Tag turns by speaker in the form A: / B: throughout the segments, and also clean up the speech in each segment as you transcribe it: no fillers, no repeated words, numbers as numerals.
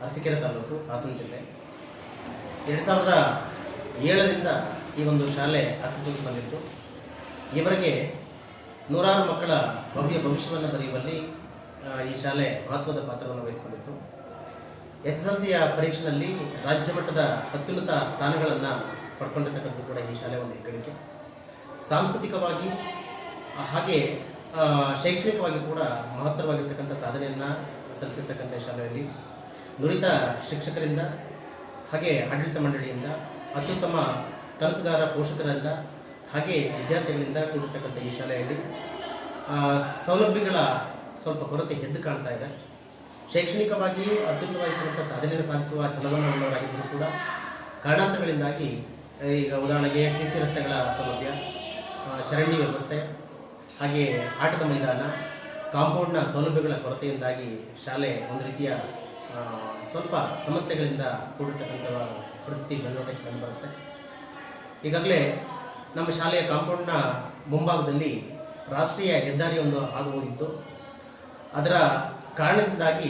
A: ಅರಸೀಕೆರೆ ತಾಲೂಕು, ಹಾಸನ ಜಿಲ್ಲೆ. 2007ರಿಂದ ಈ ಒಂದು ಶಾಲೆ ಅಸ್ತಿತ್ವಕ್ಕೆ ಬಂದಿತ್ತು. ಇವರಿಗೆ ನೂರಾರು ಮಕ್ಕಳ ಭವ್ಯ ಭವಿಷ್ಯವನ್ನು ಬರೆಯುವಲ್ಲಿ ಈ ಶಾಲೆ ಮಹತ್ವದ ಪಾತ್ರವನ್ನು ವಹಿಸಿಕೊಂಡಿತ್ತು. SSLCಯ ಪರೀಕ್ಷೆಯಲ್ಲಿ ರಾಜ್ಯ ಮಟ್ಟದ ಅತ್ಯುನ್ನತ ಸ್ಥಾನಗಳನ್ನು ಪಡ್ಕೊಂಡಿರ್ತಕ್ಕಂಥದ್ದು ಕೂಡ ಈ ಶಾಲೆ ಒಂದು ಹೆಗ್ಗಳಿಕೆ. ಸಾಂಸ್ಕೃತಿಕವಾಗಿ ಹಾಗೆ ಶೈಕ್ಷಣಿಕವಾಗಿ ಕೂಡ ಮಹತ್ತರವಾಗಿರ್ತಕ್ಕಂಥ ಸಾಧನೆಯನ್ನು ಸಲ್ಲಿಸಿರ್ತಕ್ಕಂಥ ಶಾಲೆಯಲ್ಲಿ ನುರಿತ ಶಿಕ್ಷಕರಿಂದ ಹಾಗೆ ಆಡಳಿತ ಮಂಡಳಿಯಿಂದ ಅತ್ಯುತ್ತಮ ಕೆಲಸಗಾರ ಪೋಷಕರಿಂದ ಹಾಗೆ ವಿದ್ಯಾರ್ಥಿಗಳಿಂದ ಕೂಡಿರ್ತಕ್ಕಂಥ ಈ ಶಾಲೆಯಲ್ಲಿ ಸೌಲಭ್ಯಗಳ ಸ್ವಲ್ಪ ಕೊರತೆ ಎದ್ದು ಕಾಣ್ತಾ ಇದೆ. ಶೈಕ್ಷಣಿಕವಾಗಿ ಅತ್ಯುತ್ತಮವಾಗಿರ್ತಕ್ಕಂಥ ಸಾಧನೆಯನ್ನು ಸಾಧಿಸುವ ಛಲವನ್ನು ಉಳ್ಳವರಾಗಿದ್ದರೂ ಕೂಡ ಕಾರಣಾಂತರಗಳಿಂದಾಗಿ ಈಗ ಉದಾಹರಣೆಗೆ CC ರಸ್ತೆಗಳ ಸೌಲಭ್ಯ, ಚರಂಡಿ ವ್ಯವಸ್ಥೆ, ಹಾಗೆ ಆಟದ ಮೈದಾನ, ಕಾಂಪೌಂಡ್ನ ಸೌಲಭ್ಯಗಳ ಕೊರತೆಯಿಂದಾಗಿ ಶಾಲೆ ಒಂದು ರೀತಿಯ ಸ್ವಲ್ಪ ಸಮಸ್ಯೆಗಳಿಂದ ಕೂಡಿರ್ತಕ್ಕಂಥ ಪರಿಸ್ಥಿತಿ ಬೆಳವಣಿಗೆ ಕಂಡುಬರುತ್ತೆ. ಈಗಾಗಲೇ ನಮ್ಮ ಶಾಲೆಯ ಕಾಂಪೌಂಡ್ನ ಮುಂಭಾಗದಲ್ಲಿ ರಾಷ್ಟ್ರೀಯ ಹೆದ್ದಾರಿ ಒಂದು ಹಾದು ಹೋಗಿತ್ತು. ಅದರ ಕಾರಣದಿಂದಾಗಿ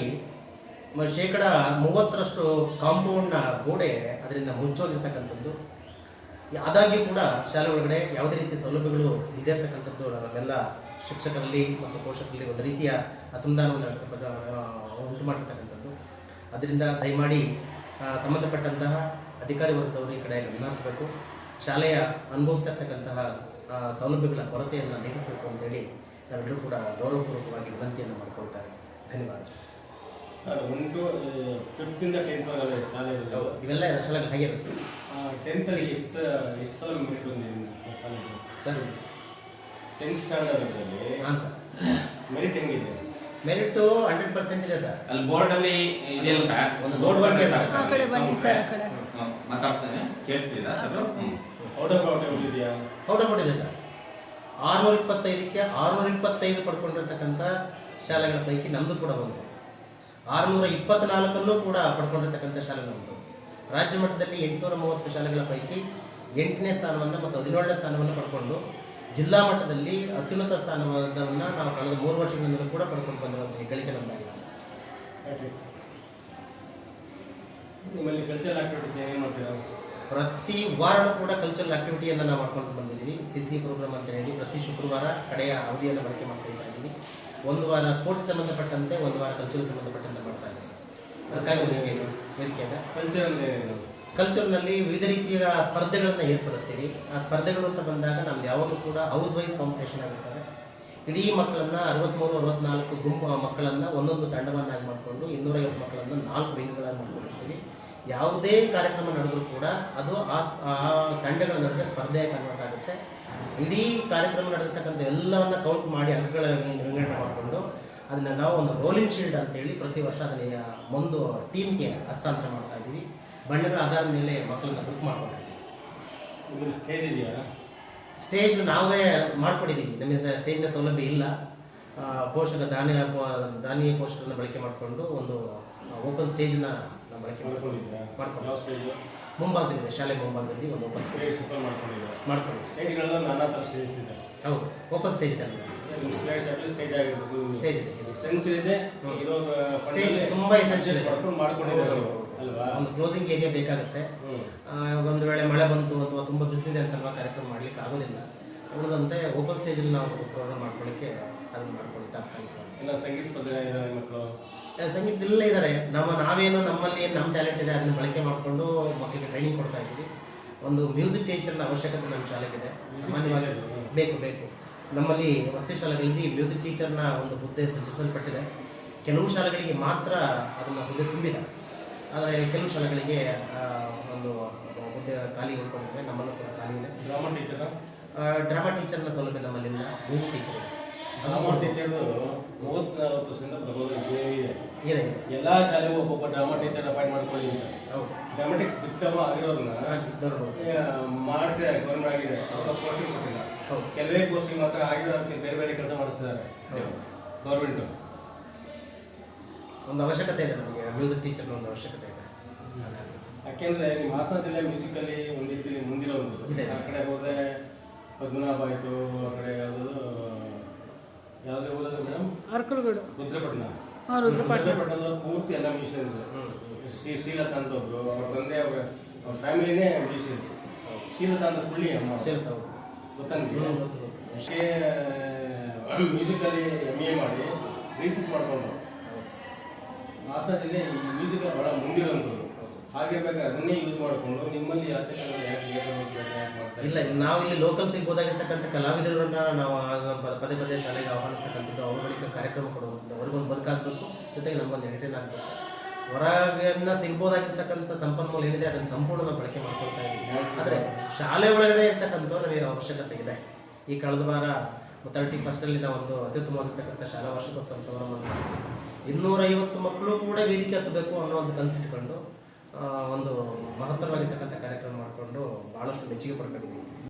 A: 30% ಕಾಂಪೌಂಡ್ನ ಗೋಡೆ ಅದರಿಂದ ಮುಚ್ಚೋಗಿರ್ತಕ್ಕಂಥದ್ದು. ಆದಾಗ್ಯೂ ಕೂಡ ಶಾಲೆ ಒಳಗಡೆ ಯಾವುದೇ ರೀತಿಯ ಸೌಲಭ್ಯಗಳು ಇಲ್ಲದೇ ಇರ್ತಕ್ಕಂಥದ್ದು ನಮ್ಮೆಲ್ಲ ಶಿಕ್ಷಕರಲ್ಲಿ ಮತ್ತು ಪೋಷಕರಲ್ಲಿ ಒಂದು ರೀತಿಯ ಅಸಮಾಧಾನವನ್ನು ಉಂಟು ಮಾಡಿರ್ತಕ್ಕಂಥದ್ದು. ಅದರಿಂದ ದಯಮಾಡಿ ಸಂಬಂಧಪಟ್ಟಂತಹ ಅಧಿಕಾರಿ ವರ್ಗದವರು ಈ ಕಡೆ ಗಮನ ಹರಿಸಬೇಕು. ಶಾಲೆಯ ಅನುಭವಿಸ್ತಾ ಇರ್ತಕ್ಕಂತಹ ಸೌಲಭ್ಯಗಳ ಕೊರತೆಯನ್ನು ನೀಗಿಸಬೇಕು ಅಂತೇಳಿ ನಾವೆಲ್ಲರೂ ಕೂಡ ಗೌರವಪೂರ್ವಕವಾಗಿ ವಿನಂತಿಯನ್ನು ಮಾಡ್ಕೊಳ್ತಾರೆ. ಧನ್ಯವಾದ
B: ಸರ್. 1 to 5th ಇಂದ 10th ವರೆಗೆ ಶಾಲೆ
A: ಇವೆಲ್ಲ ಶಾಲೆಗಳು ಹಾಗೆ ಇದೆ ಸರ್.
B: 10th ಅಲ್ಲಿ ಎಷ್ಟು ಸಲ ಮೆರಿಟ್ ಬಂದಿದೆ ಕಾಲೇಜು
A: ಸರ್?
B: 10th ಸ್ಟ್ಯಾಂಡರ್ಡಲ್ಲಿ
A: ಹಾಂ ಸರ್.
B: ಮೆರಿಟ್ ಹೆಂಗಿದೆ?
A: ಮೆರಿಟು 100% ಇದೆ ಸರ್.
C: ಅಲ್ಲಿ ಬೋರ್ಡಲ್ಲಿ ಇದೆಯಲ್ಲ
A: ಒಂದು ಬೋರ್ಡ್ ವರ್ಕ್ ಇದೆ ಸರ್.
D: ಆ ಕಡೆ ಬನ್ನಿ ಸರ್, ಆ ಕಡೆ
C: ಮಾತಾಡ್ತಾನೆ ಕೇಳ್ತೀರಾ ಸರ್?
B: ಔಟ್ ಆಫ್ ಇದೆಯಾ?
A: ಔಟ್ ಆಫ್ ಇದೆ ಸರ್. 625ಕ್ಕೆ 625 ಪಡ್ಕೊಂಡಿರ್ತಕ್ಕಂಥ ಶಾಲೆಗಳ ಪೈಕಿ ನಮ್ಮದು ಕೂಡ ಒಂದು. 624 ಕೂಡ ಪಡ್ಕೊಂಡಿರ್ತಕ್ಕಂಥ ಶಾಲೆ ನಮ್ಮದು. ರಾಜ್ಯ ಮಟ್ಟದಲ್ಲಿ 830 ಶಾಲೆಗಳ ಪೈಕಿ 8ನೇ ಸ್ಥಾನವನ್ನು ಮತ್ತು 17ನೇ ಸ್ಥಾನವನ್ನು ಪಡ್ಕೊಂಡು ಜಿಲ್ಲಾ ಮಟ್ಟದಲ್ಲಿ ಅತ್ಯುನ್ನತ ಸ್ಥಾನವನ್ನು ನಾವು ಕಳೆದ 3 ವರ್ಷಗಳಿಂದಲೂ ಕೂಡ ಪಡ್ಕೊಂಡು ಬಂದಿರುವಂಥ ಹೆಗ್ಗಳಿಕೆ ನಮ್ಮದಾಗಿದೆ ಸರ್.
B: ನಿಮ್ಮಲ್ಲಿ ಕಲ್ಚರಲ್ ಆಕ್ಟಿವಿಟೀಸ್ ಏನು ಮಾಡ್ತೀರಾ?
A: ಪ್ರತಿ ವಾರನೂ ಕೂಡ ಕಲ್ಚರಲ್ ಆಕ್ಟಿವಿಟಿಯನ್ನು ನಾವು ಮಾಡ್ಕೊಂಡು ಬಂದಿದ್ದೀವಿ. CC ಪ್ರೋಗ್ರಾಮ್ ಅಂತ ಹೇಳಿ ಪ್ರತಿ ಶುಕ್ರವಾರ ಕಡೆಯ ಅವಧಿಯನ್ನು ಬಳಕೆ ಮಾಡ್ಕೊಳ್ತಾ ಇದ್ದೀವಿ. ಒಂದು ವಾರ ಸ್ಪೋರ್ಟ್ಸ್ ಸಂಬಂಧಪಟ್ಟಂತೆ, ಒಂದು ವಾರ ಕಲ್ಚರಲ್ ಸಂಬಂಧಪಟ್ಟಂತೆ ಮಾಡ್ತಾ ಇದ್ದೀವಿ ಸರ್. ಅದಕ್ಕಾಗಿ ವೇದಿಕೆಯಿಂದ ಕಲ್ಚರ್ನಲ್ಲಿ ವಿವಿಧ ರೀತಿಯ ಸ್ಪರ್ಧೆಗಳನ್ನು ಏರ್ಪಡಿಸ್ತೀವಿ. ಆ ಸ್ಪರ್ಧೆಗಳು ಅಂತ ಬಂದಾಗ ನಮ್ದು ಯಾವಾಗಲೂ ಕೂಡ ಹೌಸ್ ವೈಸ್ ಕಾಂಪಿಟೇಷನ್ ಆಗಿರ್ತದೆ. ಇಡೀ ಮಕ್ಕಳನ್ನು 63-64 ಗುಂಪು ಮಕ್ಕಳನ್ನು ಒಂದೊಂದು ತಂಡವನ್ನಾಗಿ ಮಾಡಿಕೊಂಡು 250 ಮಕ್ಕಳನ್ನು 4 ವಿಂಗ್ಗಳಾಗಿ ಮಾಡ್ಕೊಂಡಿರ್ತೀವಿ. ಯಾವುದೇ ಕಾರ್ಯಕ್ರಮ ನಡೆದರೂ ಕೂಡ ಅದು ಆ ತಂಡಗಳ ನಡುವೆ ಸ್ಪರ್ಧೆಯ ಕನ್ವರ್ಟ್ ಆಗುತ್ತೆ. ಇಡೀ ಕಾರ್ಯಕ್ರಮ ನಡೆದಿರ್ತಕ್ಕಂಥ ಎಲ್ಲವನ್ನು ಕೌಂಟ್ ಮಾಡಿ ಅಂಕಗಳ ವಿಂಗಡಣೆ ಮಾಡಿಕೊಂಡು ಅದನ್ನು ನಾವು ಒಂದು ರೋಲಿಂಗ್ ಶೀಲ್ಡ್ ಅಂತೇಳಿ ಪ್ರತಿ ವರ್ಷ ಅದನ್ನ ಒಂದು ಟೀಮ್ಗೆ ಹಸ್ತಾಂತರ ಮಾಡ್ತಾ ಇದ್ದೀವಿ. ಬಣ್ಣಗಳ ಆಧಾರದ ಮೇಲೆ ಮಕ್ಕಳನ್ನ ಬುಕ್ ಮಾಡ್ಕೊಂಡಿದ್ದೀವಿ.
B: ಸ್ಟೇಜ್ ಇದೆಯಾ?
A: ಸ್ಟೇಜ್ ನಾವೇ ಮಾಡ್ಕೊಂಡಿದ್ದೀವಿ. ನಮಗೆ ಸ್ಟೇಜ್ನ ಸೌಲಭ್ಯ ಇಲ್ಲ. ದಾನಿ ಪೋಷಕರನ್ನು ಬಳಕೆ ಮಾಡಿಕೊಂಡು ಒಂದು ಓಪನ್ ಸ್ಟೇಜ್ನ ನಾವು ಬಳಕೆ ಮಾಡ್ಕೊಂಡು ಮುಂಭಾಗದಲ್ಲಿದೆ, ಶಾಲೆ ಮುಂಭಾಗದಲ್ಲಿ ಒಂದು ಓಪನ್
B: ಸ್ಟೇಜ್
A: ಮಾಡ್ಕೊಂಡಿದ್ದೀವಿ.
B: ಸ್ಟೇಜ್ಗಳನ್ನ ನಾನಾ ಥರ ಸ್ಟೇಜಸ್ ಇದೆ.
A: ಹೌದು, ಓಪನ್ ಸ್ಟೇಜ್ ಇದೆ.
B: ಸ್ಟೇಜ್ ಆಗಿರ್ಬೋದು,
A: ಸ್ಟೇಜ್ ಇದೆ,
B: ಎಸೆನ್ಷಿಯಲ್ ಇದೆ.
A: ಸ್ಟೇಜ್ ತುಂಬ ಎಸೆನ್ಷಿಯಲ್ ಇದೆ.
B: ಮಾಡ್ಕೊಂಡಿದ್ದಾರೆ ಅಲ್ವಾ?
A: ಒಂದು ಕ್ಲೋಸಿಂಗ್ ಏರಿಯಾ ಬೇಕಾಗುತ್ತೆ. ಒಂದು ವೇಳೆ ಮಳೆ ಬಂತು ಅಥವಾ ತುಂಬ ಬಿಸಿಲಿದೆ ಅಂತಲ್ವಾ ಕಾರ್ಯಕ್ರಮ ಮಾಡಲಿಕ್ಕೆ ಆಗೋದಿಲ್ಲ. ಉಳಿದಂತೆ ಓಪನ್ ಸ್ಟೇಜಲ್ಲಿ ನಾವು ಪ್ರೋಗ್ರಾಮ್ ಮಾಡ್ಕೊಳ್ಳಿಕ್ಕೆ ಅದನ್ನು ಮಾಡ್ಕೊಳ್ಳಿ. ತಾತ್ಕಾಲಿಕವಾಗಿ
B: ಎಲ್ಲ ಸಂಗೀತ ಸ್ಪರ್ಧೆ ಮಕ್ಕಳು
A: ಸಂಗೀತದಲ್ಲೇ ಇದ್ದಾರೆ. ನಾವೇನು ನಮ್ಮಲ್ಲಿ ನಮ್ಮ ಟ್ಯಾಲೆಂಟ್ ಇದೆ ಅದನ್ನು ಬಳಕೆ ಮಾಡಿಕೊಂಡು ಮಕ್ಕಳಿಗೆ ಟ್ರೈನಿಂಗ್ ಕೊಡ್ತಾ ಇದ್ದೀವಿ. ಒಂದು ಮ್ಯೂಸಿಕ್ ಟೀಚರ್ನ ಅವಶ್ಯಕತೆ ನಮ್ಮ ಶಾಲೆಗಿದೆ. ಸಾಮಾನ್ಯವಾಗಿ ಬೇಕು. ನಮ್ಮಲ್ಲಿ ವಸತಿ ಶಾಲೆಗಳಲ್ಲಿ ಮ್ಯೂಸಿಕ್ ಟೀಚರ್ನ ಒಂದು ಹುದ್ದೆ ಸೃಜಿಸಲ್ಪಟ್ಟಿದೆ. ಕೆಲವು ಶಾಲೆಗಳಿಗೆ ಮಾತ್ರ ಅದನ್ನು ಹುದ್ದೆ ತುಂಬಿದೆ. ಆದರೆ ಕೆಲವು ಶಾಲೆಗಳಿಗೆ ಒಂದು ಹುದ್ದೆ ಖಾಲಿ ಉಳ್ಕೊಂಡಿದೆ. ನಮ್ಮಲ್ಲೂ ಕೂಡ ಖಾಲಿ ಇದೆ. ಡ್ರಾಮಾ ಟೀಚರ್ನ ಸೌಲಭ್ಯ ನಮ್ಮಲ್ಲಿಂದ. ಮ್ಯೂಸಿಕ್ ಟೀಚರ್
B: ಡ್ರಾಮಾ ಟೀಚರ್ದು 30-40 ವರ್ಷದಿಂದ ಪ್ರಬೋಧನೆ ಇದೆ. ಎಲ್ಲ ಶಾಲೆಗೂ ಒಬ್ಬೊಬ್ಬ ಡ್ರಾಮಾ ಟೀಚರ್ ಅಪಾಯಿಂಟ್ ಮಾಡ್ಕೊಳ್ಳಿ ಅಂತ.
A: ಹೌದು,
B: ಡ್ರಾಮಾಟಿಕ್ಸ್ ಡಿಪ್ಲೊಮಾ ಆಗಿರೋದನ್ನ ಮಾಡಿಸಿ ಗೌರ್ಮೆಂಟ್ ಆಗಿದೆ. ಅವ್ರ ಪೋಸ್ಟಿಂಗ್ ಕೊಟ್ಟಿಲ್ಲ. ಕೆಲವೇ ಪೋಸ್ಟಿಂಗ್ ಮಾತ್ರ ಆಗಿರೋದಕ್ಕೆ ಬೇರೆ ಬೇರೆ ಕೆಲಸ ಮಾಡಿಸ್ತಿದ್ದಾರೆ ಗೌರ್ಮೆಂಟು.
A: ಒಂದು ಅವಶ್ಯಕತೆ ಇದೆ ನಮಗೆ, ಮ್ಯೂಸಿಕ್ ಟೀಚರ್ನ ಒಂದು ಅವಶ್ಯಕತೆ ಇದೆ.
B: ಯಾಕೆಂದರೆ ನಿಮ್ಮ ಹಾಸನ ಜಿಲ್ಲೆ ಮ್ಯೂಸಿಕಲ್ಲಿ ಒಂದು ರೀತಿಯಲ್ಲಿ ಮುಂದಿರೋದು. ಆ ಕಡೆ ಹೋದರೆ ಪದ್ಮನಾಭ ಆಯಿತು, ಆ ಕಡೆ ಯಾವುದೇ ಓದೋದು ಮೇಡಮ್?
D: ಅರ್ಕಲ್ಗೂಡು,
B: ರುದ್ರಪಟ್ಟಣ.
D: ರುದ್ರಪಟ್ಟಣದವ್ರು
B: ಪೂರ್ತಿ ಎಲ್ಲ ಮ್ಯೂಸಿಷಿಯನ್ಸ್. ಶ್ರೀಲತಾ ಅಂತ ಒಬ್ರು, ಅವ್ರ ತಂದೆ ಅವ್ರ ಫ್ಯಾಮಿಲಿನೇ ಮ್ಯೂಸಿಷಿಯನ್ಸ್. ಶ್ರೀಲತಾ ಅಂತ ಹುಳ್ಳಿ ಅಮ್ಮ ಗೊತ್ತಾ ನಿಮಗೆ? ಮ್ಯೂಸಿಕಲ್ಲಿ MA ಮಾಡಿ ರಿಸರ್ಚ್ ಮಾಡ್ಕೊಂಡು ಹಾಸನದಲ್ಲಿ ಈ ಮ್ಯೂಸಿಕ್ ಭಾಳ ಮುಂದಿರೋಂಥದ್ದು. ಹಾಗೆ ಬೇಕಾದ್ರೆ ಅದನ್ನೇ ಯೂಸ್ ಮಾಡಿಕೊಂಡು ನಿಮ್ಮಲ್ಲಿ ಯಾಕೆ ಮಾಡ್ತಾರೆ?
A: ಇಲ್ಲ, ನಾವು ಇಲ್ಲಿ ಲೋಕಲ್ ಸಿಗ್ಬೋದಾಗಿರ್ತಕ್ಕಂಥ ಕಲಾವಿದರನ್ನ ನಾವು ಪದೇ ಪದೇ ಶಾಲೆಗೆ ಆಹ್ವಾನಿಸ್ತಕ್ಕಂಥದ್ದು, ಅವ್ರ ಬಳಿಕ ಕಾರ್ಯಕ್ರಮ ಕೊಡುವಂಥದ್ದು, ಅವ್ರಿಗೊಂದು ಬದುಕಾಗಬೇಕು, ಜೊತೆಗೆ ನಮಗೊಂದು ಎಂಟರ್ಟೈನ್ ಆಗಬೇಕು. ಹೊರಗಿನ ಸಿಗ್ಬೋದಾಗಿರ್ತಕ್ಕಂಥ ಸಂಪನ್ಮೂಲ ಏನಿದೆ ಅದನ್ನು ಸಂಪೂರ್ಣ ನಾವು ಬಳಕೆ ಮಾಡ್ಕೊಳ್ತಾ ಇದ್ದೀವಿ. ಆದರೆ ಶಾಲೆ ಒಳಗಡೆ ಇರ್ತಕ್ಕಂಥವ್ರು ನಮಗೆ ಅವಶ್ಯಕತೆ ಇದೆ. ಈ ಕಳೆದ ವಾರ 31st ನಾವು ಒಂದು ಅತ್ಯುತ್ತಮವಾಗಿರ್ತಕ್ಕಂಥ ಶಾಲಾ ವಾರ್ಷಿಕೋತ್ಸವ ಸಮಾರಂಭ 250 ಮಕ್ಕಳು ಕೂಡ ವೇದಿಕೆ ಹತ್ತಬೇಕು ಅನ್ನೋ ಒಂದು ಕನ್ಸಿಟ್ಕೊಂಡು ಒಂದು ಮಹತ್ತರವಾಗಿರ್ತಕ್ಕಂಥ ಕಾರ್ಯಕ್ರಮ ಮಾಡಿಕೊಂಡು ಭಾಳಷ್ಟು ಮೆಚ್ಚುಗೆ ಪಡ್ಕೊಂಡಿದ್ದೀವಿ.